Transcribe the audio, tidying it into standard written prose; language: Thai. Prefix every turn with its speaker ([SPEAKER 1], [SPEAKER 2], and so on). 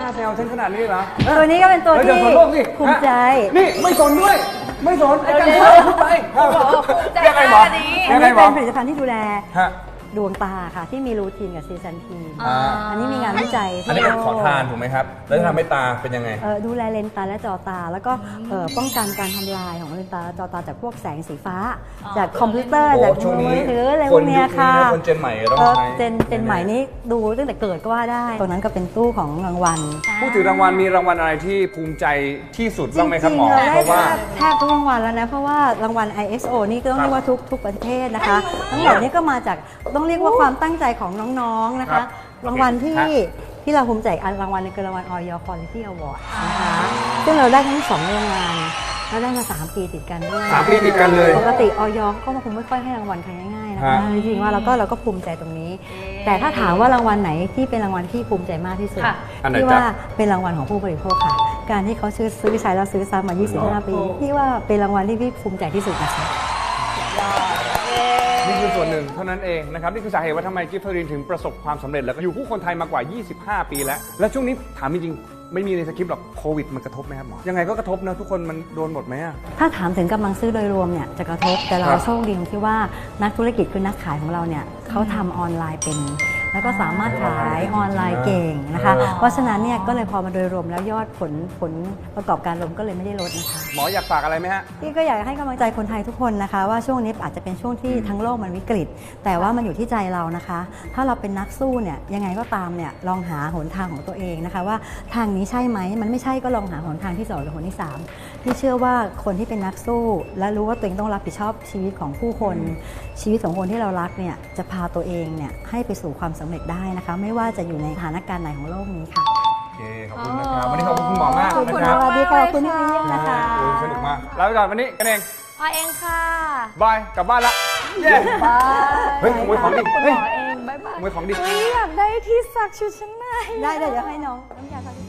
[SPEAKER 1] แซวฉันขนาดนี้เหรอ
[SPEAKER 2] ตัวนี้ก็เป็นตัวที่ภูมิใจ
[SPEAKER 1] นี่ไม่สนด้วยไม่สนไอ้การพูดไป
[SPEAKER 2] ยังไงหมออันนี้เป็นผลิตภัณฑ์ที่ดูแลดวงตาค่ะที่มีรูทีนกับซีซันทีนอันนี้มีงานวิจัย
[SPEAKER 1] อันนี้เป็นขอทานถูกไหมครับแล้วทำให้ตาเป็นยังไง
[SPEAKER 2] ดูแลเลนส์ตาและจอตาแล้วก็ป้องกันการทำลายของเลนส์ตาและจอตาจากพวกแสงสีฟ้าจากคอมพิวเตอร์จากมือถืออะไรพวกนี้ค่ะ
[SPEAKER 1] คนเจนใหม่ต้องใช้
[SPEAKER 2] เจนใหม่นี้ดูตั้งแต่เกิดก็ว่าได้ตรงนั้นก็เป็นตู้ของรางวัล
[SPEAKER 1] พูดถึงรางวัลมีรางวัลอะไรที่ภูมิใจที่สุดบ้างไหมครับหมอเพราะว่า
[SPEAKER 2] แทบทุกรางวัลแล้วนะเพราะว่ารางวัล ISO นี่ก็ต้องเรียกว่าทุกประเทศนะคะทั้งหมดนี้ก็มาจากต้องเรียกว่าความตั้งใจของน้องๆนะคะรางวัลที่เราภูมิใจอันรางวัลนึงคือรางวัล Oil Quality Award นะคะซึ่งเราได้ทั้ง2รางวัลแล้วได้มา3 ปีติดกันด้วย
[SPEAKER 1] 3 ปีติดกันเลย
[SPEAKER 2] ปกติออยก็คงไม่ค่อยให้รางวัลใครง่ายๆนะคะจริงๆว่าเราก็ภูมิใจตรงนี้แต่ถ้าถามว่ารางวัลไหนที่เป็นรางวัลที่ภูมิใจมากที่สุดที่ว่าเป็นรางวัลของผู้บริโภคค่ะการที่เขาซื้อใช้แล้วซื้อซ้ำมา25 ปีที่ว่าเป็นรางวัลที่พี่ภูมิใจที่สุดนะคะ
[SPEAKER 1] นี่คือส่วนหนึ่งเท่านั้นเองนะครับนี่คือสาเหตุว่าทำไมกิฟเฟอรีนถึงประสบความสำเร็จแล้วก็อยู่คู่คนไทยมากว่า25 ปีแล้วและช่วงนี้ถามจริงๆไม่มีในสคริปต์หรอกโควิดมันกระทบไหมครับหมอยังไงก็กระทบนะทุกคนมันโดนหมดไหม
[SPEAKER 2] ถ้าถามถึงกำลังซื้อโดยรวมเนี่ยจะกระทบแต่เราโชคดีตรงที่ว่านักธุรกิจคือนักขายของเราเนี่ยเขาทำออนไลน์เป็นแล้วก็สามารถขายออนไลน์เก่งนะคะเพราะฉะนั้นเนี่ยก็เลยพอมาโดยรวมแล้วยอดผลประกอบการรวมก็เลยไม่ได้ลดนะคะ
[SPEAKER 1] หมออยากฝากอะไรไหมฮะ
[SPEAKER 2] พี่ก็อยากให้กำลังใจคนไทยทุกคนนะคะว่าช่วงนี้อาจจะเป็นช่วงที่ทั้งโลกมันวิกฤตแต่ว่ามันอยู่ที่ใจเรานะคะถ้าเราเป็นนักสู้เนี่ยยังไงก็ตามเนี่ยลองหาหนทางของตัวเองนะคะว่าทางนี้ใช่ไหมมันไม่ใช่ก็ลองหาหนทางที่2หรือหนที่3พี่เชื่อว่าคนที่เป็นนักสู้และรู้ว่าตัวเองต้องรับผิดชอบชีวิตของผู้คนชีวิตของคนที่เรารักเนี่ยจะพาตัวเองเนี่ยให้ไปสู่ความสำเร็จได้นะคะไม่ว่าจะอยู่ในสถานการณ์ไหนของโลกนี้ค่ะ
[SPEAKER 1] โอเคขอบคุณนะครับวันนี้ขอบคุณคุณหมอมาก
[SPEAKER 2] นะครับสวัสดีค่ะคุณที่มาเยี่ยมนะคะ
[SPEAKER 1] สนุกมากลาไปก่อนวันนี้กันเอง
[SPEAKER 3] พอเองค่ะ
[SPEAKER 1] บายกลับบ้านละเย้บายเฮ้ยขโมยของดิ
[SPEAKER 3] เฮ้ยบายบาย
[SPEAKER 1] ขโมยของดิ
[SPEAKER 3] อยากได้ที่ซักชุดชั้นใน
[SPEAKER 2] ได้เดี๋ยวให้น้องน้ำยาซัก